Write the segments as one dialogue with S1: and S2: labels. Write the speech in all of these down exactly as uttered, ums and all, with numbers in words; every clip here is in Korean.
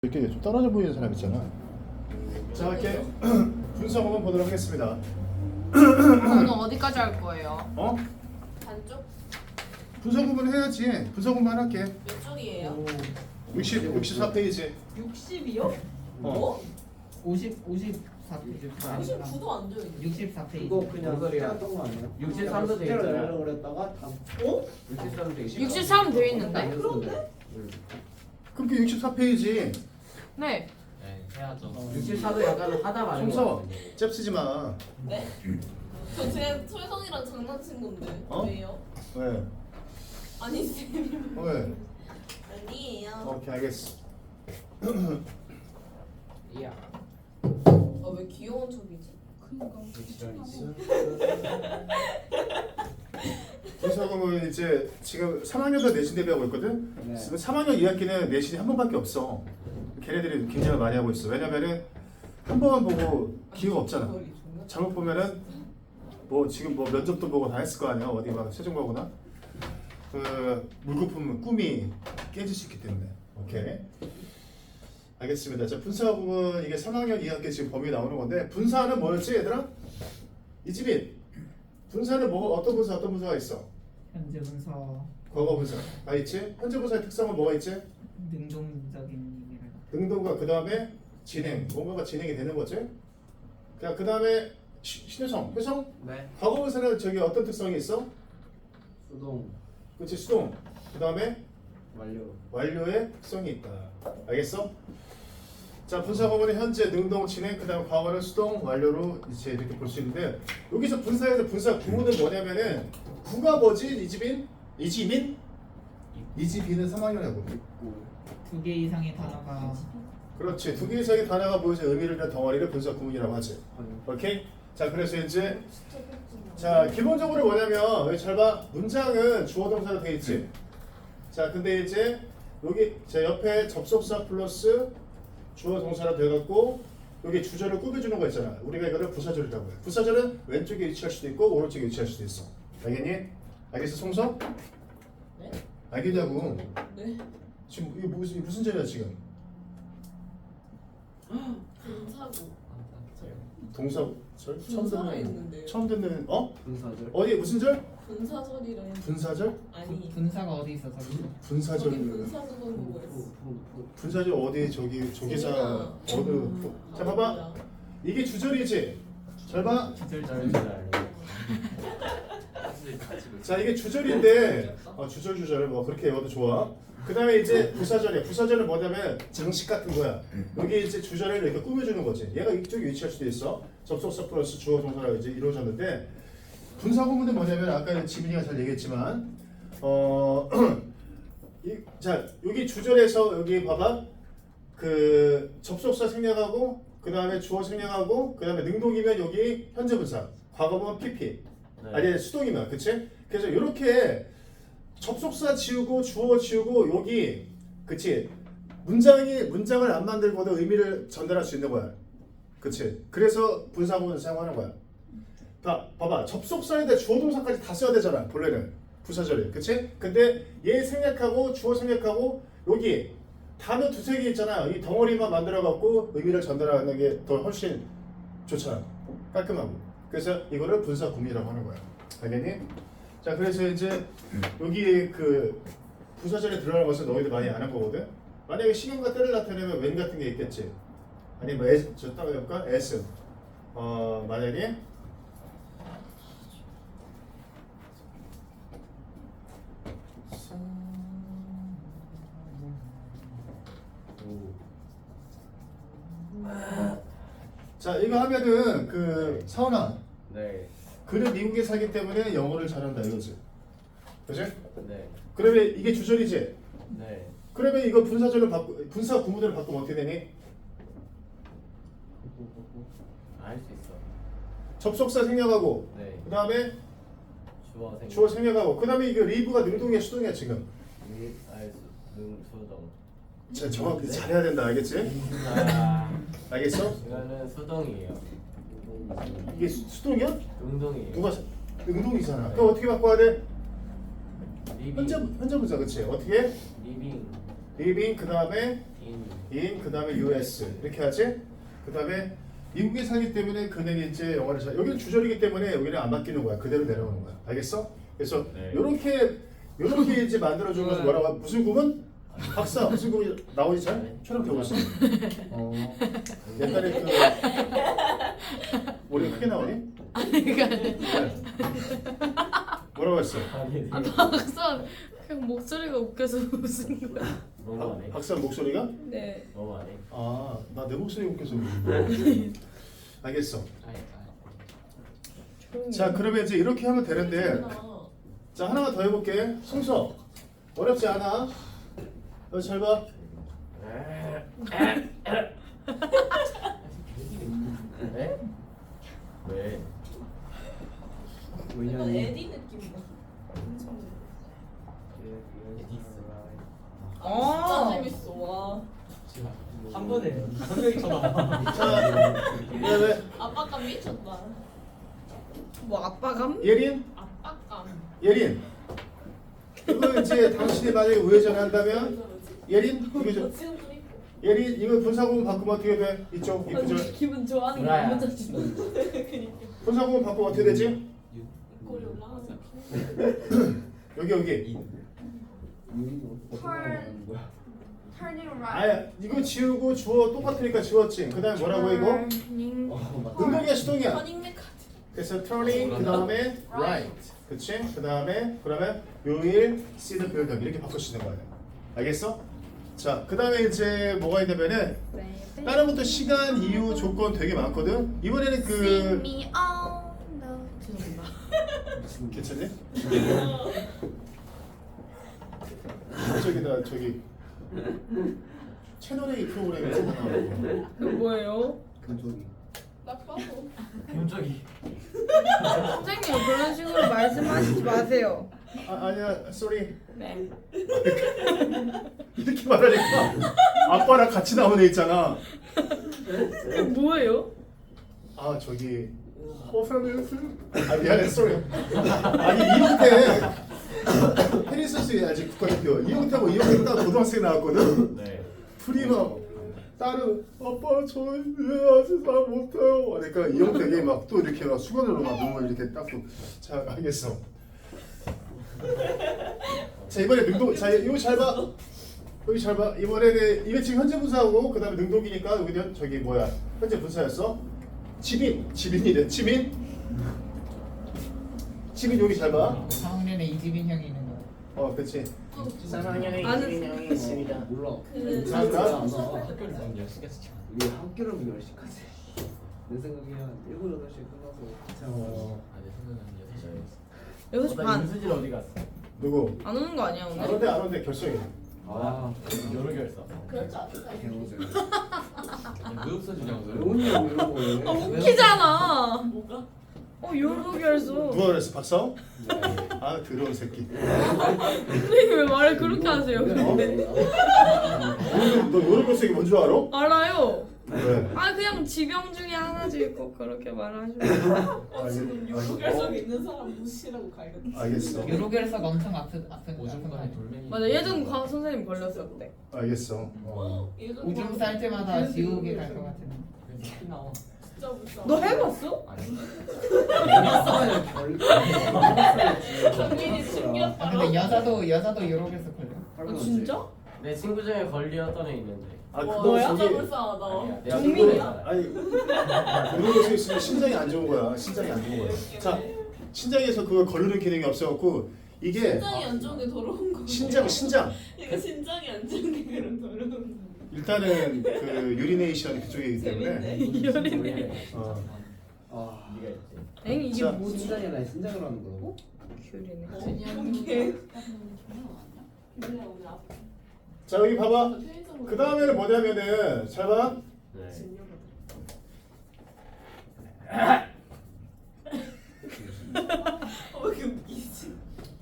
S1: 이렇게 좀 떨어져 보이는 사람 있잖아. 자, 이렇게 분석 한번 보도록 하겠습니다.
S2: 오늘 어디까지 할 거예요?
S1: 어?
S3: 반쪽?
S1: 분석 부분 해야지. 분석 부분 할게.
S3: 몇 쪽이에요?
S1: 육십, 육십사 페이지.
S3: 육십이요?
S1: 어.
S3: 뭐?
S4: 오십, 오십사 페이지.
S3: 오십구도 안 돼요. 이게.
S4: 육십사 페이지.
S5: 이거 그냥
S6: 소리야.
S5: 짰던 거 아니에요?
S6: 육십삼도 돼
S5: 숫자를
S6: 있잖아.
S5: 내려고 그랬다가 다
S3: 어?
S6: 육십삼 돼 있어.
S2: 육십삼 돼 있는데?
S3: 그런데?
S1: 그럼 그 육십사 페이지.
S2: 네.
S6: 네, 해야죠. 육십사도 약간 하다 말인 거
S1: 송서,
S6: 같은데.
S1: 잽 쓰지 마.
S3: 네? 저 제 솔선이랑 장난친 건데.
S1: 어?
S3: 왜요?
S1: 왜?
S3: 아니 쌤.
S1: 왜?
S3: 아니에요.
S1: 오케이, 알겠어.
S6: 이야.
S3: 아, 왜 귀여운 척이지?
S1: 분석은 이제 지금 삼 학년도 내신 대비하고 있거든.
S5: 네.
S1: 지금 삼 학년 이 학기는 내신이 한 번밖에 없어. 걔네들이 긴장을 많이 하고 있어. 왜냐면은 한 번만 보고 기회가 없잖아. 잘못 보면은 뭐 지금 뭐 면접도 보고 다 했을 거 아니야. 어디 막 최종 가거나 그 물거품 꿈이 깨질 수 있기 때문에. 오케이. 알겠습니다. 자, 분사 부분 이게 삼 학년 이 학기 지금 범위 나오는 건데 분사는 뭐였지, 얘들아? 이지민. 분사는 뭐 어떤 분사 어떤 분사가 있어?
S4: 현재 분석
S1: 과거 분사. 아 있지? 현재 분사의 특성은 뭐가 있지?
S4: 능동적인 의미를
S1: 능동과 그 다음에 진행. 뭔가가 진행이 되는 거지? 그냥 그 다음에 신효성. 효성?
S6: 네.
S1: 과거 분사는 저기 어떤 특성이 있어?
S5: 수동
S1: 그렇지, 수동. 그 다음에
S5: 완료.
S1: 완료의 특성이 있다. 알겠어? 자, 분사 부분은 현재, 능동, 진행, 그 다음에 과거는 수동, 완료로 이제 이렇게 볼 수 있는데 여기서 분사에서 분사 구문은 뭐냐면은 구가 뭐지? 이지민? 이지민? 이지민은 삼 학년이라고.
S4: 두 개 이상의 단어가
S1: 그렇지. 두 개 이상의 단어가 모여서 의미를 잃는 덩어리를 분사 구문이라고 하지. 오케이? 자, 그래서 이제 자, 기본적으로 뭐냐면 여기 잘 봐. 문장은 주어 동사로 돼 있지. 자, 근데 이제 여기 제 옆에 접속사 플러스 주어 동사로 돼갖고 여기 주절을 꾸며주는 거 있잖아. 우리가 이거를 부사절이라고 해. 부사절은 왼쪽에 위치할 수도 있고 오른쪽에 위치할 수도 있어. 알겠니? 알겠어, 송서?
S3: 네?
S1: 알겠냐고.
S3: 네?
S1: 지금 이게 무슨 이게 무슨 절이야 지금?
S3: 분사고.
S1: 동사 절? 처음
S3: 분사가
S1: 듣는
S3: 있는데요.
S1: 처음 듣는 어?
S5: 분사절.
S1: 어디 무슨 절?
S3: 분사절이라 했는데.
S1: 분사절?
S3: 아니.
S4: 분사가 어디 있어 저기?
S1: 분사절.
S3: 저기 분사절 보고 했어.
S1: 분사절 어디 저기 조기사
S3: 재민아.
S1: 어느 자 봐봐. 이게 주절이지. 잘 봐.
S4: 주절절
S1: 자, 이게 주절인데 어, 주절 주절 뭐 그렇게 외워도 좋아. 그 다음에 이제 부사절이야. 부사절은 뭐냐면 장식 같은 거야. 여기 이제 주절을 이렇게 꾸며주는 거지. 얘가 이쪽에 위치할 수도 있어. 접속사 플러스 주어 동사가 이제 이루어졌는데 분사 구문은 뭐냐면 아까 지민이가 잘 얘기했지만 어, 이, 자 여기 주절에서 여기 봐봐. 그 접속사 생략하고 그 다음에 주어 생략하고 그 다음에 능동이면 여기 현재 분사. 과거면 피피.
S6: 네.
S1: 아니 수동이면 그치? 그래서 이렇게 접속사 지우고 주어 지우고 여기 그치? 문장이 문장을 안 만들고도 의미를 전달할 수 있는 거야. 그치? 그래서 분사구문을 사용하는 거야. 봐, 봐봐. 접속사인데 주어 동사까지 다 써야 되잖아. 본래는 부사절이. 그치? 근데 얘 생략하고 주어 생략하고 여기 단어 두세 개 있잖아. 이 덩어리만 만들어 갖고 의미를 전달하는 게 더 훨씬 좋잖아. 깔끔하고. 그래서 이거를 분사구문이라고 하는 거야. 알겠니? 자, 그래서 이제 여기 그 부사절에 들어가는 것은 너희들 많이 아는 거거든. 만약에 시간과 때를 나타내면 when 같은 게 있겠지. 아니 뭐 as, 저 따로 해볼까? as. 어 만약에 자, 이거 하면은 그 서원아.
S6: 네.
S1: 그는 미국에 살기 때문에 영어를 잘한다 이거지. 그치?
S6: 네.
S1: 그러면 이게 주절이지?
S6: 네.
S1: 그러면 이거 분사절을 바꾸 분사 구문을 바꾸면 어떻게 되니?
S6: 알 수 있어.
S1: 접속사 생략하고
S6: 네.
S1: 그 다음에
S6: 주어 생.
S1: 주어 생략하고 그 다음에 이거 리브가 능동이야 수동이야 지금?
S6: 미 알수 능 수동.
S1: 자, 정확히 잘해야 된다 알겠지?
S6: 아.
S1: 알겠어?
S6: 이거는 수동이에요.
S1: 이게 수, 수동이야?
S6: 능동이에요.
S1: 누가 사- 능동이잖아. 그럼 어떻게 바꿔야 돼?
S6: 리빙.
S1: 현재 현재 분사 그치? 어떻게?
S6: 리빙
S1: 리빙 그 다음에
S6: 인
S1: in 그 다음에 유에스 이렇게 하지. 그 다음에 미국에 살기 때문에 그는 이제 영어를 잘 여기는 주절이기 때문에 여기는 안 바뀌는 거야. 그대로 내려오는 거야. 알겠어? 그래서
S6: 네.
S1: 요렇게 요렇게 이제 만들어준 것은 뭐라고 하- 무슨 구문? 박사 무슨 구문 나오지 잘? 촬영 되고 있어. 어 옛날에 그 머리가 크게 나오니?
S2: 아니 아니.
S1: 뭐라고 했어?
S6: 아니
S2: 아 박사 그냥 목소리가 웃겨서 웃은 거야.
S6: 너무 안 해.
S1: 박사 목소리가?
S2: 네.
S6: 너무 안 해.
S1: 아 나 내 목소리 웃겨서 알겠어.
S6: 아니,
S2: 조용히.
S1: 자 그러면 이제 이렇게 하면 되는데 자 하나만 더 해볼게. 성서 어렵지 않아. 너 잘 봐.
S6: 네? 왜?
S3: 약간
S5: 왜냐면
S3: 에디 느낌이다. 엄청
S2: 어.
S3: 진짜 재밌어. 와.
S6: 한 번에 한 명이 쳐다.
S1: 자 왜,
S3: 압박감 미쳤다.
S2: 뭐 아빠감?
S1: 왜? 예린?
S3: 압박감.
S1: 예린. 이거 이제 당신이 만약에 우회전한다면 예린 이거 좀
S3: 지금 그리고
S1: 예린 이거 분사구문 바꾸면 어떻게 돼? 이쪽 이 구절
S3: 기분 좋아하는 게
S6: 뭐야.
S3: 너무 짜증나. 그니까
S1: 분사구문 바꾸면 어떻게 되지?
S3: 꼬리 올라가서.
S1: 여기 여기.
S5: 유리도 어떻게 나가는 거야?
S2: Turning
S1: 아야 이거 지우고 주어 똑같으니까 지웠지. 그다음에 뭐라고 이거? 능동이야 수동이야.
S3: 터닝 메카드.
S1: 그래서 turning 그 다음에 right. 그치? 그 다음에 그러면 요일 see the building 이렇게 바꾸시는 거예요. 알겠어? 자, 그 다음에 이제 뭐가 있냐면은 다른 것도 시간, 이유, 조건 되게 많거든. 이번에는 그
S2: me on the 죄송합니다.
S1: 괜찮니? 저기다 저기 채널 A 프로그램에 나오고
S2: 그 뭐예요?
S5: 금속이.
S3: 딱 봐도.
S6: 갑자기.
S2: 선생님 그런 식으로 말씀하시지 마세요.
S1: 아, 아니야, sorry.
S2: 네.
S1: 이렇게 말하니까 아빠랑 같이 나온 애 있잖아.
S2: 그 뭐예요?
S1: 아 저기 호fel스 아 미안해 sorry. 아니 이용태 테니스 아직 국가대표 이용태하고 이용태 딱 고등학생 나왔거든.
S6: 네.
S1: 둘이 막 딸은 아빠 저는 아직 잘 못해요. 그러니까 이용태가 막 또 이렇게 막 수건으로 막 눈물 이렇게 닦고. 자 알겠어. 자 이번에 능동 자 이거 잘 봐. 여기 잘 봐. 이번에는 이게 지금 현재 분사하고 그다음에 능동이니까 여기는 저기 뭐야 현재 분사였어. 지민 지민이래 지민. 지민 여기 잘 봐.
S4: 삼 학년에 이지빈 형이 있는 거.
S1: 어 그렇지.
S6: 삼 학년에
S2: 아는
S6: 이진이 형이 있습니다.
S5: 몰라.
S3: 그
S1: 잘한다.
S6: 학교를 너무 열심히
S5: 우리 학교를 열 시까지. 내 생각에 한 일곱 여덟 시에 끝나서
S1: 어.
S6: 아, 내 생각은 여섯 시였어.
S2: 여섯 시 반.
S6: 윤수진 어디 갔어?
S1: 누구?
S2: 안 오는 거 아니야
S1: 안
S2: 오늘?
S1: 온대 안 온대 결성이.
S5: 아,
S6: 여러 결사.
S3: 그럴 줄 알았다.
S5: 개노제.
S6: 무역 써주냐고.
S5: 로운이 형 이런 거에.
S2: 아 웃기잖아.
S3: 뭐가?
S2: 어 요로 결소.
S1: 누가 그랬어 박사오? 아 더러운 새끼.
S2: 선생님 왜 말을 그렇게 하세요? 근데
S1: 너 요런 결석이 뭔 줄 알아?
S2: 알아요.
S1: 왜?
S2: 아 그냥 지병 중에 하나지 꼭 그렇게 말하시면.
S3: 어, 지금 요로 결석 있는 사람 무시라고 갈겼다.
S1: 알겠어.
S4: 유로결석 엄청 아픈 아픈 아픈 거
S6: 오줌간에
S4: 아니야?
S6: 돌멩이.
S2: 맞아 예전 과 선생님 걸렸었대.
S1: 알겠어. 어.
S3: 예전
S4: 오줌
S3: 거
S4: 쌀 때마다 지옥에 갈 것 같은.
S6: 그래서 피 나와.
S3: 진짜 무서워.
S2: 너 해봤어?
S6: 아니.
S3: 경민이
S4: 아,
S3: 숨겼다.
S4: 근데 여자도 여자도 유로결석 걸려.
S2: 어 진짜?
S6: 내 친구 중에 걸렸던 애 있는데.
S1: 아
S3: 와,
S1: 그거
S3: 진짜
S1: 저기
S3: 불쌍하다.
S6: 아니야. 내가
S2: 정민이야?
S1: 아니 요런 결석 있으면 신장이 안 좋은 거야. 신장이 안 좋은 거야. 자 신장에서 그걸 거르는 기능이 없어갖고 이게
S3: 신장이 안 좋은 게 더러운 거.
S1: 신장 신장
S3: 이거 신장이 안 좋은 게 그런 더러운 거.
S1: 일단은 그 유리네이션 그쪽이기 때문에
S2: 이열이네.
S1: 어.
S5: 아,
S6: 네가 있지.
S2: 엥 이게
S1: 자,
S2: 뭐지?
S5: 신장이나 신장으로 하는 거라고?
S2: 귤이네.
S3: 이게 그냥 오늘 앞.
S1: 자 여기 봐봐.
S3: 편의점으로
S1: 그 다음에는 뭐냐면은 잘 봐.
S6: 네.
S3: 어, 왜 이렇게 웃기지?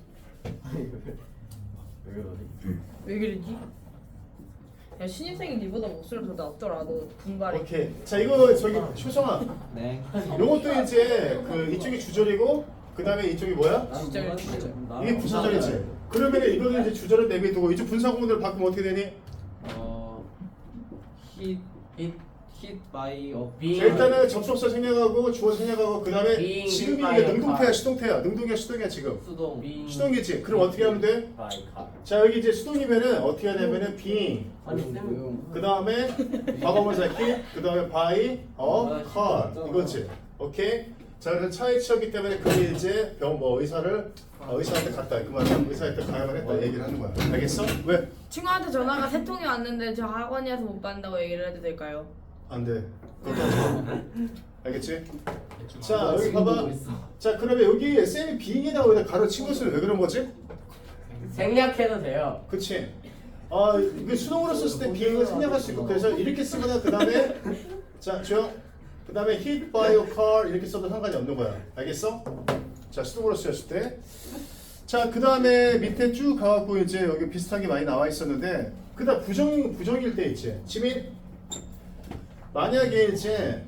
S6: 왜 그러지?
S2: 왜 그러지? 야 신입생이 니보다 목소리가 더 낫더라. 너 분발이.
S1: 오케이. 자 이거 저기 효성아.
S5: 네.
S1: 요것도 이제 그 이쪽이 주절이고 그 다음에 이쪽이 뭐야?
S2: 주절, 주절.
S1: 이게 부사절이지. 그러면 이거는 이제 주절을 내비두고 이쪽 분사구문을 바꾸면 어떻게 되니?
S5: 어, hit hit hit by a
S6: being
S1: 자, 일단은 접속사 생략하고 주어 생략하고 그 다음에
S6: being
S1: 지금
S6: hit by
S1: 이게
S6: a
S1: 능동태야
S6: car.
S1: 수동태야 능동이야 수동이야 지금
S5: 수동
S6: being
S1: 수동이지. 그럼 어떻게 하면 돼?
S6: by car.
S1: 자 여기 이제 수동이면은 어떻게 하냐면은 being
S6: 아니 쌤
S1: 그 다음에 과거분사 hit 그 다음에 by a car 이거지. 오케이. 자 그래서 차에 치였기 때문에 그게 이제 병뭐 의사를 어, 의사한테 갔다 그 말은 의사한테 가야만 했다 얘기를 하는 거야. 알겠어? 왜?
S2: 친구한테 전화가 세 통이 왔는데 저 학원이어서 못 받는다고 얘기를 해도 될까요?
S1: 안 돼. 그것도 하지 마. 알겠지? 자 여기 봐봐. 자 그러면 여기 쌤이 being이라고 여기다 가로친 것은 왜 그런 거지?
S6: 생략해도 돼요.
S1: 그치? 아 이게 수동으로 썼을 때 being을 생략할 수 있고 그래서 이렇게 쓰거나 그 다음에 자 주요 그 다음에 hit by a car 이렇게 써도 상관이 없는 거야. 알겠어? 자 수동으로 쓰였을 때. 자 그 다음에 밑에 쭉 가갖고 이제 여기 비슷한 게 많이 나와 있었는데 그다음 부정 부정일 때 있지. 지민 만약에 이제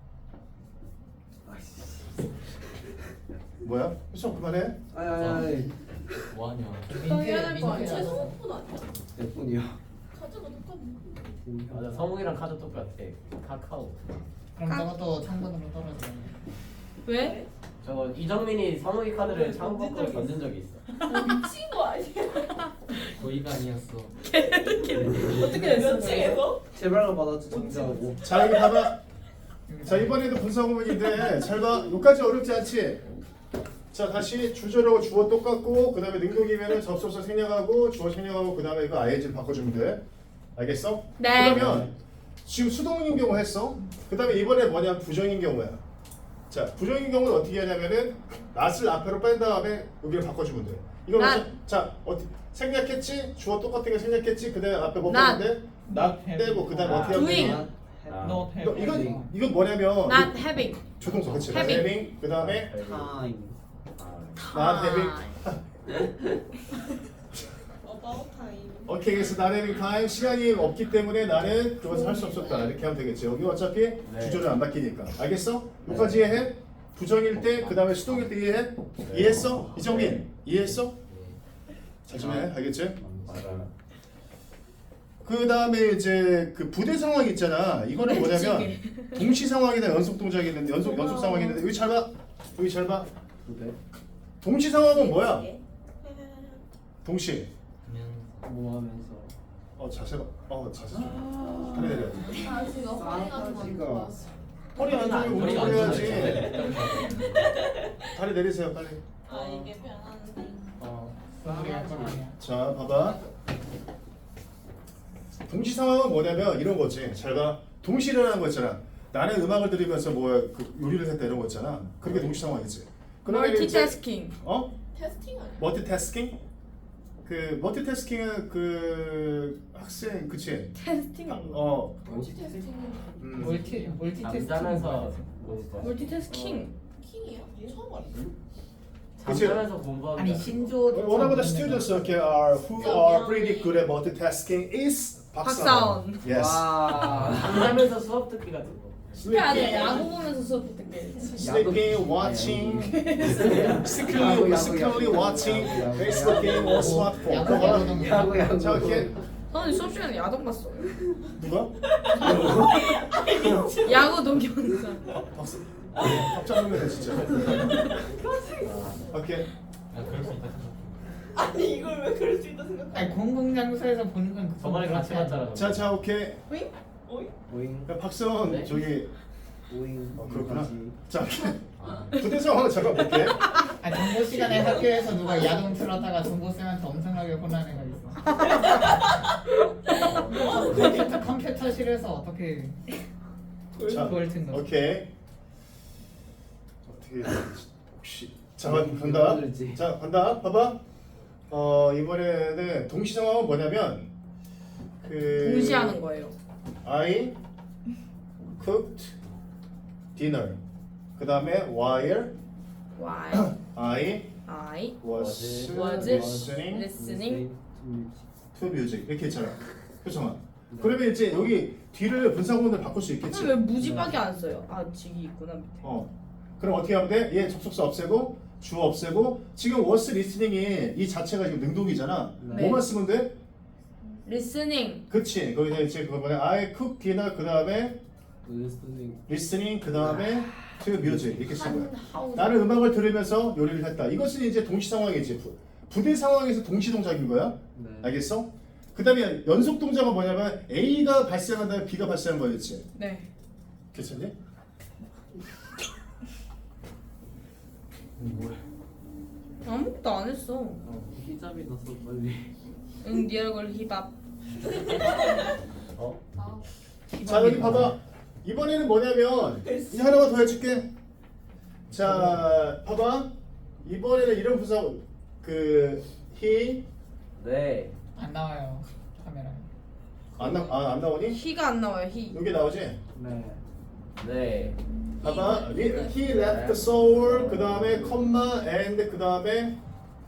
S1: 뭐야? 수정 그만해.
S5: 아이
S6: 뭐하냐?
S3: 해야 될 거 아니야?
S4: 민폐야.
S3: 최소 폰 아니야?
S5: 몇 분이야?
S3: 가져가 똑같네.
S6: 맞아 성욱이랑 카드 똑같아. 카카오.
S4: 그럼 저것도 창문으로 떨어져.
S2: 왜?
S6: 저거 이정민이 성욱이 카드를 창고 밖으로 던진 적이 있어.
S3: 미친 거 아니야?
S6: 고의가 아니었어.
S2: 어떻게 됐어?
S3: 몇 층에서?
S5: 제발로 받았지 정지하고.
S1: 자 여기 봐봐. 자 이번에도 분사구문인데 잘 봐. 여기까지 어렵지 않지? 자 다시 주절하고 주어 똑같고 그 다음에 능동이면은 접속사 생략하고 주어 생략하고 그 다음에 이거 아이엔지를 바꿔주면 돼. 알겠어?
S2: 네.
S1: 그러면 지금 수동인 경우 했어. 그 다음에 이번에 뭐냐 부정인 경우야. 자 부정인 경우는 어떻게 하냐면은 낫을 앞으로 뺀 다음에 여기를 바꿔주면 돼. 이거
S2: 낫.
S1: 먼저- 자 어떻게 생략했지? 주어 똑같은 거 생략했지? 그 다음에 앞에 뭐
S2: 낫.
S1: 뺐는데 낫 빼고 그 다음에 어떻게 하면
S2: doing.
S1: 되냐?
S4: 너
S1: 이거 이건 이건 뭐냐면
S2: Not having.
S1: 조동사 그치?
S2: having.
S1: having 그 다음에
S5: 타임.
S1: not having.
S3: About time.
S1: 오케이 그래서 not having time 시간이 없기 때문에 나는 그것을 할 수 없었다 이렇게 하면 되겠지. 여기 어차피 주절은 안 바뀌니까. 알겠어? 여기까지 이해해? 부정일 때 그 다음에 수동일 때 이해해? 이해했어? 이정민 이해했어? 잘 좀 해. 알겠지?
S6: 맞아.
S1: 그 다음에 이제 그 부대 상황 있잖아. 이거는 뭐냐면 동시 상황이나 연속 동작이 있는데 연속 연속 상황이 있는데 여기 잘 봐. 여기 잘 봐.
S5: 네.
S1: 동시 상황은 뭐야?
S3: 예.
S1: 동시.
S5: 뭐 하면서.
S1: 어 자세 봐. 어 자세 좀. 다리 내려.
S3: 아 지금 허리가 좀 안
S5: 싸가지가.
S3: 좋아서.
S1: 허리 안 좋으면
S6: 허리가
S1: 운동을
S6: 안
S1: 해야지. 다리 내리세요 빨리.
S3: 아 이게 변하는데.
S1: 어.
S4: 우리가 건 아니야.
S1: 자 봐봐. 동시 상황은 뭐냐면 이런 거지. 잘 봐. 동시라는 거 있잖아. 나는 음악을 들으면서 뭐 그 요리를 했다 이런 거 있잖아. 그게 동시 상황이지. 그러면 이제-
S2: 멀티태스킹.
S1: 어?
S3: 테스팅 아니야?
S1: 멀티태스킹? 그 멀티태스킹은 그 학생 그치?
S2: 테스팅.
S1: 어.
S3: 멀티 테스팅은
S1: 음.
S4: 멀티 멀티 테스트.
S6: 잠자면서 공부.
S2: 멀티태스킹.
S3: 킹이야? 처음 알았어.
S1: 그치?
S6: 잠자면서 공부하는
S4: 아니
S6: 거.
S4: 신조.
S1: 원어보다 students 이렇게 are who are pretty good at multitasking is 박사원.
S2: 박사원.
S1: Yes.
S5: 와.
S6: 잠자면서 수업 듣기 같은 거.
S2: 해야 돼. 야구 보면서 수업 듣게.
S1: Sleeping, watching,
S5: 야구,
S1: secretly,
S5: 야구,
S1: secretly
S5: 야구,
S1: watching
S5: 야구, 야구,
S1: Facebook game or smartphone.
S4: 야구,
S1: 그거 봐.
S4: 야구,
S5: 야구 야구.
S1: 자 이렇게
S2: 저는 수업 시간에 야동 봤어.
S1: 누가?
S2: 야구 동경사.
S1: 박사. 깜짝 놀랐네 진짜. 오케이.
S3: 아니 이걸 왜 그럴 수 있다 생각?
S4: 아니 공공장소에서 보는 건 그.
S6: 저번에 같이 봤잖아.
S1: 자, 자, 오케이.
S3: 오잉? 오잉?
S5: 오잉
S1: 야, 박사원
S6: 네?
S1: 저기
S5: 오잉.
S1: 어, 그렇구나.
S5: 여기까지.
S1: 자, 부대 상황을 잠깐 볼게.
S4: 아 정보 시간에 학교에서 누가 야동 틀었다가 정보 쌤한테 엄청나게 혼난 애가 있어. 컴퓨터 컴퓨터실에서 어떻게
S1: 자,
S4: 그걸 듣는?
S1: 오케이. 어떻게 혹시 자, 간다. 자, 간다. 봐봐. 어 이번에는 동시 상황은 뭐냐면 그
S2: 동시하는 거예요.
S1: I cooked dinner. 그 다음에 while
S2: Why?
S1: I
S2: I
S1: was,
S2: was
S1: listening
S2: listening
S1: to music 이렇게 있잖아. 효성아. 그러면 이제 여기 뒤를 분사구문을 바꿀 수 있겠지.
S2: 왜 무지밖에 안 써요? 아 직이 있구나 밑에.
S1: 어. 그럼 어떻게 하면 돼? 얘 접속사 없애고 주어 없애고 지금 was listening이 이 자체가 지금 능동이잖아.
S5: 네.
S1: 뭐만 쓰면 돼?
S2: listening.
S1: 그치. 거기서 이제 그거 뭐냐? I cook dinner 그 다음에
S5: 리스닝.
S1: listening 그 다음에 to music 이렇게 쓴 거야.
S2: 하우.
S1: 나는 음악을 들으면서 요리를 했다. 이것은 이제 동시 상황이지. 부- 부대 상황에서 동시 동작인 거야.
S5: 네.
S1: 알겠어? 그 다음에 연속 동작은 뭐냐면 A가 발생한 다음에 B가 발생한 거였지.
S2: 네.
S1: 괜찮니?
S2: 아무것도 안 했어.
S5: 히잡이 났어 빨리.
S2: 응, 네 얼굴 힙합.
S5: 어?
S3: 아,
S1: 자 여기 봐봐. 이번에는 뭐냐면 이제 하나만 더 해줄게. 자 봐봐. 이번에는 이런 부사 그 he
S6: 네.
S4: 안 나와요 카메라에.
S1: 안, 나, 아, 안 나오니?
S2: he가 안 나와요. he.
S1: 여기 나오지?
S5: 네.
S6: 네.
S1: 봐봐. he left Seoul 그 다음에 컴마 and 그 다음에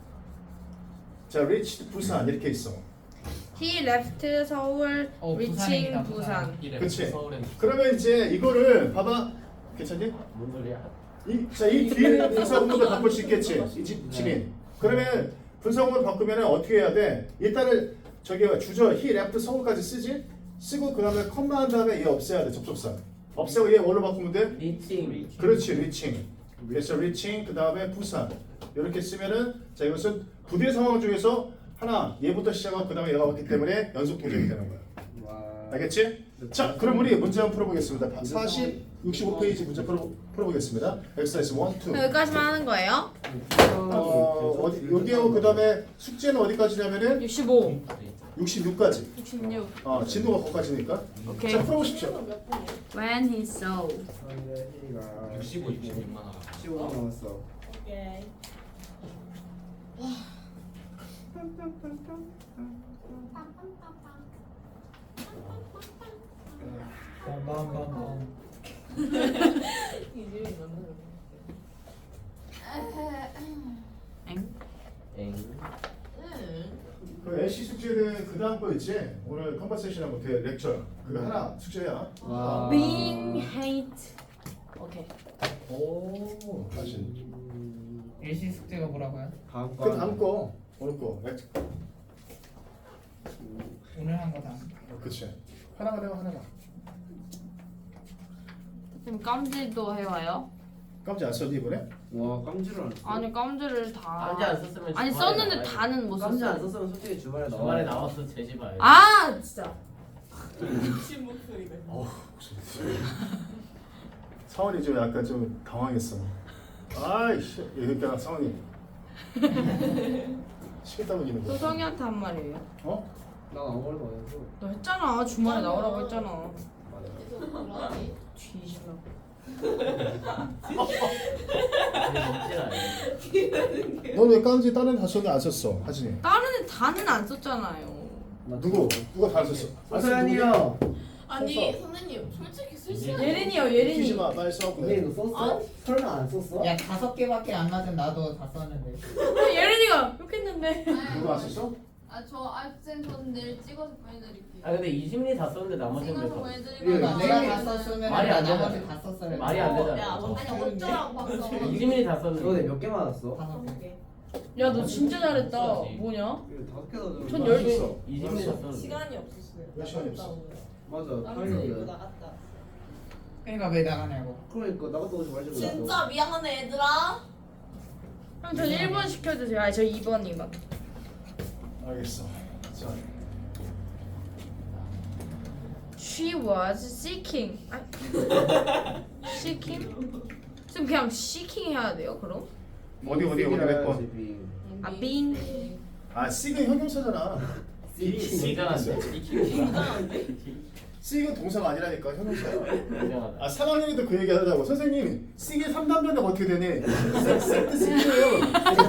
S1: 자 reached 부산 이렇게 있어.
S2: he left 서울,
S4: 어,
S2: reaching
S4: 부산이다,
S2: 부산.
S4: 부산.
S1: 그치? 그러면 이제 이거를 봐봐. 괜찮니?
S6: 뭔 소리야?
S1: 이, 자, 이 뒤에 분사구문도 바꿀 수 있겠지? 이 집, 집인. 그러면 분사구문 바꾸면 어떻게 해야 돼? 일단은 저기 주저 he left 서울까지 쓰지? 쓰고 그 다음에 컴마 한 다음에 얘 없애야 돼, 접속사. 없애고 얘 뭘로 바꾸면 돼?
S6: 리칭.
S1: 그렇지, reaching. 그래서 reaching 그 다음에 부산. 이렇게 쓰면은 자 이것은 부대 상황 중에서 하나 얘부터 시작하고 그 다음에 얘가 왔기 때문에 연속 동작이 되는 거야.
S5: 와.
S1: 알겠지? 자, 그럼 우리 문제 한번 풀어보겠습니다. 사십, 육십오 페이지 문제 풀어, 풀어보겠습니다. 엑서사이즈 일, 이.
S2: 여기까지만 하는 거예요?
S1: 어, 어디, 여기하고 그 다음에 숙제는 어디까지냐면은
S2: 육십오,
S1: 육십육까지.
S2: 육십육.
S1: 어, 진도가 거기까지니까.
S2: 오케이.
S1: 자, 풀어보십시오.
S3: 몇 분이에요?
S2: When he saw.
S5: 선이가
S7: 육십오, 육십육만 원.
S5: 십오 나왔어.
S3: 오케이.
S4: 빰빰빰빰.
S3: 이집이 맞는
S2: 엥?
S6: 엥.
S1: 그 애쉬 숙제는 그 다음 거 있지? 오늘 컨버세이션하고 그 렉처. 그거 하나 숙제야.
S5: 와.
S2: Being hate. 오케이.
S1: 오, 다시.
S4: 일시 숙제가 뭐라고요?
S5: 다음 거.
S1: 그 다음 거. 오늘 거. 렉처.
S4: 오늘 한 거 다.
S1: 어, 그치. 하나만 해봐, 하나만.
S2: 지금 깜질도 해와요?
S1: 깜짝 안 썼니 이번에?
S5: 와 깜지를 안 써.
S2: 아니 깜질을 다.
S6: 깜지 안 썼으면
S2: 아니
S6: 주말에
S2: 썼는데
S6: 나와야지.
S2: 다는 못
S6: 깜지 안
S2: 썼어.
S6: 썼으면 솔직히 주말에 나와.
S7: 주말에 나와서 제지봐요.
S2: 아 진짜.
S3: 미친 목소리네.
S1: 사원이 좀 약간 좀 당황했어. 아이씨, 그러니까 사원이 시켰다고 이는 거.
S2: 소성이한테 한 말이에요.
S1: 어?
S5: 난 아무 말도 안 했어.
S2: 너 했잖아. 주말에 나오라고 했잖아.
S3: 계속 그러니?
S2: 뒤질러.
S1: 넌 왜 깜지 다른 다 썼는데 안 썼어, 하진이?
S2: 다른 애 다는 안 썼잖아요.
S1: 누구? 누가 다 썼어? 안 썼어, 누구냐?
S5: 서현이요.
S3: 아니 선생님 솔직히 쓸 시간
S2: 예린이요
S1: 튀지
S2: 예린이.
S1: 마, 빨리 써.
S5: 근데 이거 썼어? 설마 안 썼어?
S4: 야 다섯 개밖에 안 맞은 나도 다 썼는데.
S2: 예린이가 욕했는데.
S1: 누가 안 썼어?
S8: 아저 학생 전 내일 찍어서 보내드릴게요.
S6: 아 근데 이심리 다 썼는데 나머지는 왜
S8: 찍어서
S6: 써?
S8: 보내드리면
S5: 예,
S4: 나
S5: 네.
S4: 내가 다 썼으면
S6: 말이 안
S4: 나머지
S6: 되잖아.
S4: 다 썼어요.
S6: 말이 안 되잖아.
S3: 야
S6: 어.
S3: 아니 어쩌라고 봤어.
S6: 이심리 다
S5: 너네
S6: 썼는데.
S5: 몇 개 맞았어?
S4: 다섯 개.
S2: 야 너 진짜 잘했다.
S7: 써야지.
S2: 뭐냐?
S5: 이거 다섯 개다 줘.
S2: 전
S1: 안
S2: 열 개.
S1: 썼어.
S6: 이심리 다 썼는데.
S3: 시간이 없었어요.
S1: 몇 시간이 없어?
S5: 맞아.
S3: 다른
S5: 타이밍이야.
S3: 이거 나갔다.
S4: 그러니까 왜 나가냐고.
S5: 그러니까 나갔다 오지 말지.
S3: 진짜 미안하네 얘들아.
S2: 그럼 전 일 번 시켜주세요. 아니 저 이 번 이 번.
S1: 알겠어. 자,
S2: She was seeking. 아, seeking? 지금 그냥 seeking 해야 돼요? 그럼?
S1: 어디 어디 어디 몇 번?
S2: 아 being.
S1: 아, C가 형용사잖아.
S7: C가 안 돼.
S1: C가 동사가 아니라니까 형용사야.
S6: 인정하다.
S1: 아, 삼 학년에도 그 얘기 하더라고. 선생님, C가 삼 단변가 어떻게 되니? 세트 C예요.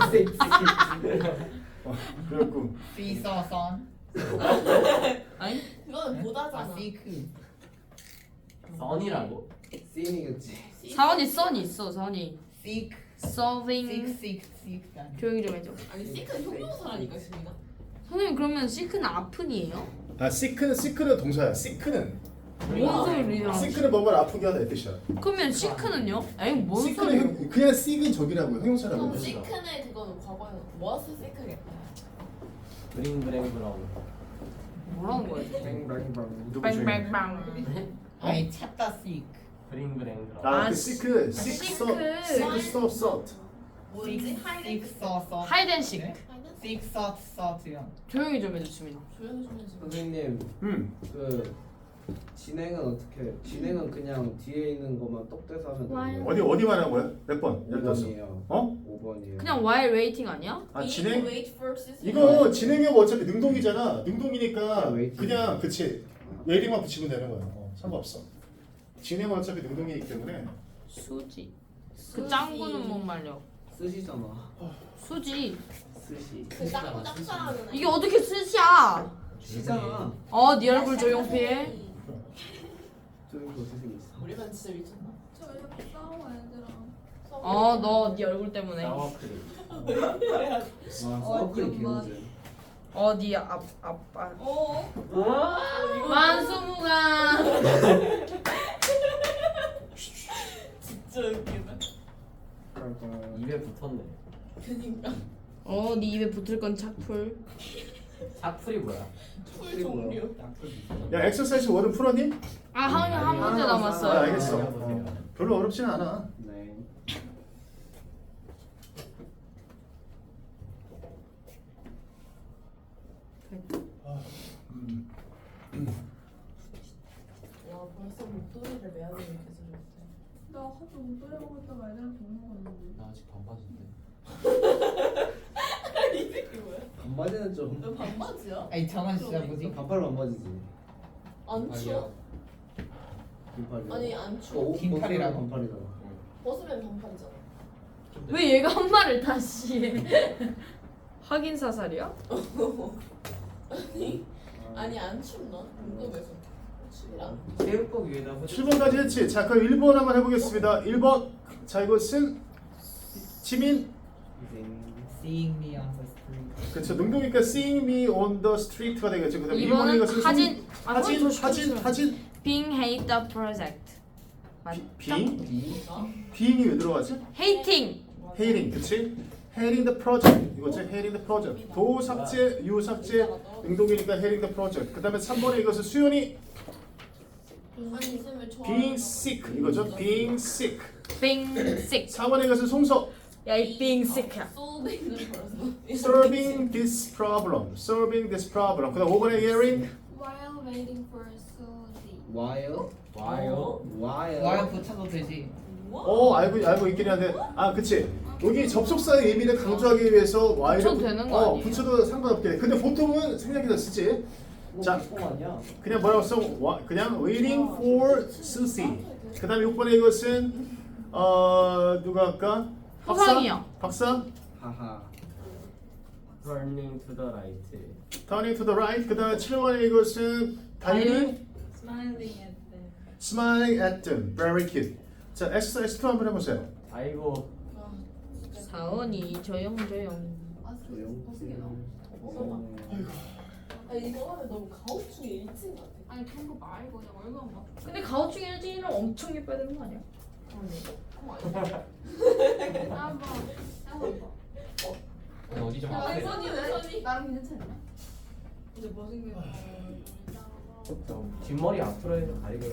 S1: 어, 그래갖고
S4: See saw son.
S2: 아니?
S3: 그거는
S4: 아
S3: 보다잖아.
S4: seek.
S6: 선이라고?
S5: 씬이겠지.
S2: 사원이 썬이 있어. 사원이
S4: seek.
S2: solving.
S4: seek seek seek.
S2: 조용히 좀 해줘.
S3: 아니 시크는 형용사라니까 지민아.
S2: 선생님 그러면 seek는 아픈이에요?
S1: 아, sick는 sick는 동사야. sick는
S2: 뭔 소리야?
S1: sick는 뭔가를 아프게 하다 이 뜻이야.
S2: 그러면 sick는요? 에이 뭔
S1: sick는
S2: 소리야?
S1: 형, 그냥 sick은 저기라고 형용사라고.
S3: 그럼 시크는 그거는 과거에 was sick겠다.
S6: 그린 브랭 브라운.
S2: 뭐라는 거야?
S6: 뱅뱅뱅.
S1: 누구 중에?
S2: 빵빵빵.
S4: 아니 찾다 씩.
S6: 브링브랭 들어.
S1: 아,
S2: 아,
S1: 그
S2: 시-
S1: 시크,
S2: 시크.
S1: 시크 서, 시크 서, 서트.
S3: 뭐지? 하이덴
S4: 씩서서
S2: 하이덴식.
S4: 씩서서트요.
S2: 조용히 좀 해줘 주민아.
S3: 조용히 좀 해줘.
S6: 선생님
S1: 음.
S6: 그 진행은 어떻게? 진행은 그냥 뒤에 있는 것만 똑대서 하면 되는
S1: 어디 어디 말하는 거야? 몇 번? 열다섯.
S6: 오 번이에요.
S1: 어?
S6: 오 번이에요.
S2: 그냥 while waiting 아니야?
S1: 아 진행?
S3: Wait for system.
S1: 이거 진행형 어차피 능동이잖아. 능동이니까
S6: 아, 웨이팅.
S1: 그냥 그치. 웨이팅만 붙이면 되는 거야. 어, 상관없어. 진행은 어차피 능동이기 때문에.
S2: 수지. 그 짱구는 못 말려.
S6: 쓰시잖아.
S2: 수지.
S6: 쓰시.
S3: 그 짱구 짝사랑하는 애.
S2: 이게 어떻게 수지야?
S6: 시잖아.
S2: 어, 네 얼굴 조용필.
S6: 저기 어떻게 생겼어?
S3: 우리 반 진짜 미쳤나?
S8: 저 이렇게 싸워 얘들아.
S2: 어, 너 네 얼굴 때문에.
S6: 사워크림.
S3: 그래야
S6: 와 사워크림
S8: 엄마.
S6: 개무진.
S2: 어, 네 앞, 아빠.
S3: 어?
S2: 만수무강.
S3: 진짜 웃기다.
S6: 입에 붙었네.
S3: 그니까.
S2: 어, 네 입에 붙을 건 착풀.
S6: 사풀이 뭐야?
S3: 풀 종류.
S1: 야 엑서사이즈 월은 풀었니?
S2: 아, 한, 한 문제
S1: 아,
S2: 남았어요.
S1: 알겠어.
S6: 아, 보세요.
S1: 어, 별로 어렵진 않아.
S6: 네.
S3: 와 벌써 목도리를 매야 되는 계속
S8: 나 하도 못 들어보고 있다가 애들한테 오는 거였는데.
S7: 나 아직 반바지인데.
S3: 이 새끼 뭐야?
S6: 반바지는 좀.
S3: 너 반바지야?
S4: 아니 저건 진짜 뭐지?
S6: 반팔 반바지지.
S3: 안 추워?
S6: 긴팔이야.
S3: 아니 안
S6: 어,
S3: 추워?
S6: 옷
S4: 긴팔이라고.
S6: 벗으면 반팔이잖아.
S3: 벗으면 반팔이잖아.
S2: 왜 얘가 한 말을 다시 해? 확인 사살이야?
S3: 아니 아니 안 춥나? 궁금해서. 추위랑.
S6: 체육복 위에다 후.
S1: 칠 번까지 했지. 자 그럼 일 번 한번 해보겠습니다. 일 번. 자 이것은 지민.
S4: Seeing me on the street.
S1: 그렇죠. 능동이니까 seeing me on the street가 되겠죠. 그다음에
S2: 이번은
S1: 이 번은 이것은
S2: 하진. 아,
S1: 하진
S2: 그건 더
S1: 하진
S2: 시끄러워.
S1: 하진
S2: Being hate the project. 맞다?
S1: 빙
S6: 비.
S1: 빙이 왜 들어가지?
S2: Hating.
S1: hating 그치? hating the project 이거지 hating the project 도 삭제 유 삭제 능동이니까 hating the project 그 다음에 삼 번에 이것은 수연이
S3: 아니 쌤을 좋아.
S1: being sick 이거죠 being sick
S2: Being sick.
S1: 사 번에 이것은 송서
S2: 야, 이 being sick야.
S3: 소울베이는 벌써.
S1: solving this problem solving this problem 그 다음 오 번에 hearing
S8: While waiting for Suzy.
S6: 와요.
S7: 와요.
S6: 와요.
S4: 와요 붙여도 되지.
S1: 어 알고 알고 있긴 한데 아 그치 여기 접속사의 의미를 강조하기 위해서 Y를
S2: 붙여도 되는 거
S1: 어,
S2: 아니에요?
S1: 붙여도 상관없게 돼. 근데 보통은 생략해서 쓰지 자.
S6: 자. 아니야.
S1: 그냥 뭐라고 써? 와, 그냥 waiting for Susie. 그 다음에 육 번에 이것은 어 누가 할까? 박사?
S2: 호상이요.
S1: 박사?
S6: 하하.
S7: Turning to the right.
S1: Turning to the right. 그 다음에 칠 번에 이것은 다윤이
S8: Smiling at them.
S1: Smiling at them. Very cute. 자, exercise two 한번 해보세요.
S7: 아이고.
S2: 사원이 조용 조용.
S3: 아
S6: 조용.
S3: 벗으게 나와. 벗어봐. 아 이거 하면 너무 가오충의 일진 같아.
S8: 아니 그런 거 말고 그냥 얼굴만 봐.
S2: 근데 가오충 일진이는 엄청 예뻐야 되는 거 아니야?
S8: 어머 아니야. 한번 한번 봐.
S7: 아니, 어디 좀
S8: 야,
S7: 아프네.
S8: 선이 왜 선이? 나랑 괜찮지 않냐?
S3: 이제 못생겼어.
S6: 좀 뒷머리 앞으로 해서 가리고요.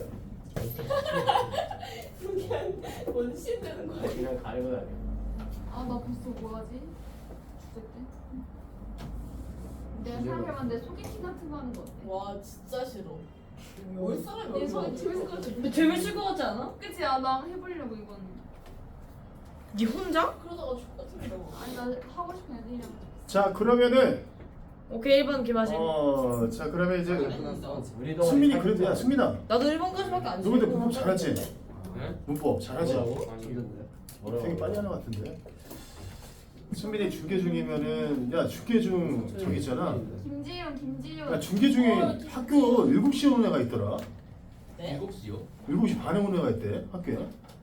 S3: 그냥 원신 되는 거야.
S6: 그냥 가리고 다녀.
S8: 아나 벌써 뭐하지? 주제 때? 내가 생각해봤는데 소개팅 같은 거 하는 거 어때?
S3: 와 진짜 싫어. 올 사람이
S8: 내
S3: 얼마나
S8: 손이 재밌을 것 같아.
S2: 근데 재밌을 것 같지 않아?
S8: 그치? 아, 나 해보려고 이건.
S2: 니 혼자?
S3: 그러다가 죽겠는데.
S8: 아니 나 하고 싶은 애들이랑.
S1: 자, 그러면은
S2: 오케이 일 번 김하신.
S1: 어, 자 그러면 이제
S6: 우리도
S1: 승민이 그래도 야 승민아,
S2: 나도 일 번까지밖에 안
S1: 너 근데 문법 잘하지?
S7: 네?
S1: 문법 잘하지?
S6: 뭐라고?
S1: 되게 빨리 하는 것 같은데. 승민이 중계 중이면은 야 중계 중 저기 있잖아.
S8: 김지영, 김지영.
S1: 야 중계 중에 학교 일곱 시에 오는 애가 있더라.
S3: 네?
S7: 일곱 시요?
S1: 일곱 시 반에 오는 애가 있대 학교에.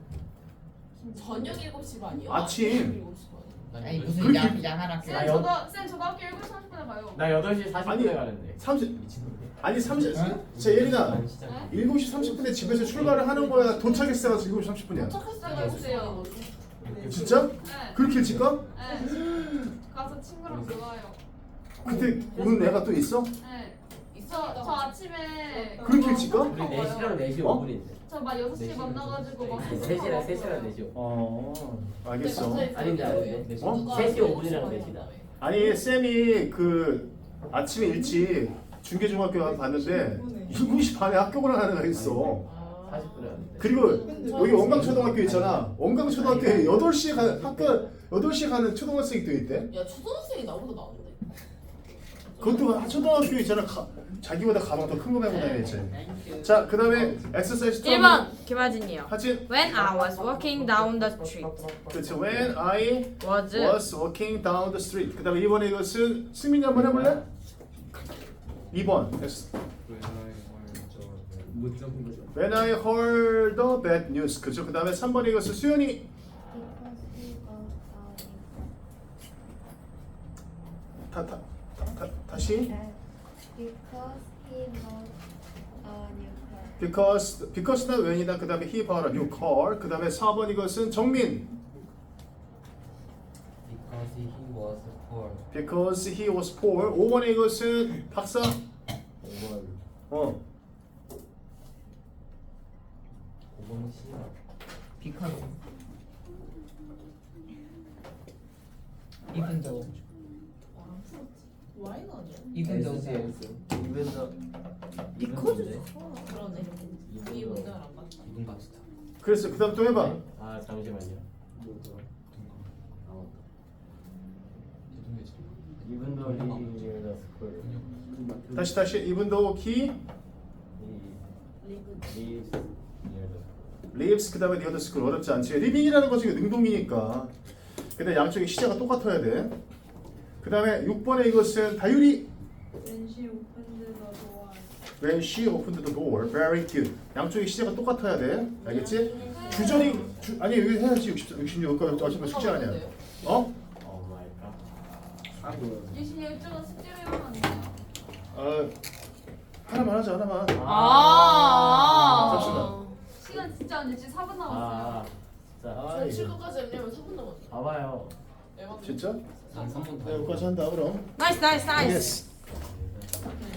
S3: 저녁 일곱 시 반이요?
S1: 아침.
S3: 일곱 시 반.
S4: 아니 무슨
S1: 그렇게-
S4: 양 양한 학교.
S8: 쌤 저도 쌤 저도 학교 일곱 시 삼십 분에 가요.
S6: 나 여덟 시 사십 분에
S1: 아니,
S6: 가는데.
S1: 삼십
S7: 미친놈이.
S1: 아니 삼십.
S4: 응?
S1: 자 예린아
S7: 시작.
S8: 네?
S1: 일곱 시 삼십 분에 집에서 출발을 하는 거야. 도착했을 때가 일곱 시 삼십 분이야.
S3: 도착했을
S8: 쌤
S3: 때가
S8: 해주세요.
S3: 네.
S1: 진짜?
S8: 네.
S1: 그렇게 일찍 가?
S8: 네. 가서 친구랑 놀아요.
S1: 그때 오는 애가 또 있어?
S8: 네. 저, 저 아침에
S1: 그렇게 일찍 가?
S7: 우리 네 시랑 네 시
S1: 어?
S7: 오 분인데.
S8: 저 막 여섯 시에 만나가지고 막
S7: 세 시랑 세 시랑 네 시 오 분.
S1: 어 알겠어.
S7: 아닌데 아닌데. 네 시.
S1: 어?
S7: 세 시 오 분이랑 네 시다.
S1: 아니 쌤이 그 아침에 일찍 중계중학교 가서 봤는데 일곱 시 반에 학교 가는 애가 있어.
S7: 사십 분에 왔는데.
S1: 그리고 여기 원광초등학교 있잖아. 원광초등학교에 여덟 시에 가는 학교 여덟 시에 가는 초등학생이 또 있대.
S3: 야 초등학생이 나보다 나은데.
S1: 그것도 초등학교 있잖아. 가, 자기보다 가방 더 큰 거 메고 다니지. 자, 그 다음에 엑서사이즈
S2: 일 번 김하진이요.
S1: 하진.
S2: When I was walking down the street.
S1: 그렇죠. When I
S2: Was
S1: was walking down the street. 그 다음에 이 번에 이것은 승민이 한번 해볼래? 이 번.
S6: 못 적은 거죠.
S1: When I heard the bad news. 그렇죠. 그 다음에 삼 번에 이것은 수연이. 다, 다, 다, 다시.
S9: Because he bought a new car.
S1: Because because나 when이다. 그 다음에 he bought a new car. 그 다음에 사 번 이것은 정민.
S5: Because he was poor.
S1: Because he was poor. 오 번에 이것은 박사.
S6: 오 번.
S1: 어.
S5: 오 번은 씨야.
S4: because even though
S3: 와인 아니야?
S4: even though
S6: 에스 에스.
S7: 이분 더.
S3: 비커즈. 그러네. 이
S7: 이분
S3: 문장을 안 봤다.
S5: 이분 같다.
S1: 그래서 그 다음 또 해봐.
S7: 아 잠시만요.
S6: 뭐더라?
S7: 이분 더 리더 스쿨.
S1: 다시 다시 even though he
S3: 리브.
S7: 리스
S1: lives 그 다음에 the other school 어렵지 않지. living이라는 거 지금 능동이니까. 근데 양쪽의 시제가 똑같아야 돼. 그 다음에 육 번에 이것은 다율이.
S9: When she opened the door.
S1: When she opened the door, very good. 양쪽의 시제가 똑같아야 돼. 알겠지? 주전이 주, 아니 여기 해야지. 육십, 육십육 여기까지 어차피 숙제 아니야. 어?
S7: 오 마이 갓.
S6: 아 뭐야?
S8: 유신이 이쪽은 숙제를 해보면 안 돼요.
S1: 어, 하나만 하자 하나만.
S2: 아.
S1: 잠시만.
S8: 시간 진짜 안 됐지? 사 분 남았어요.
S7: 아 진짜.
S1: 아,
S3: 저
S1: 이거.
S3: 칠거까지 하려면 사 분 남았어.
S7: 봐봐요.
S3: 에바.
S1: 진짜?
S5: 난 삼 번 더.
S1: 네, 여기까지 한다 그럼.
S2: 나이스 나이스 나이스.
S1: Yes.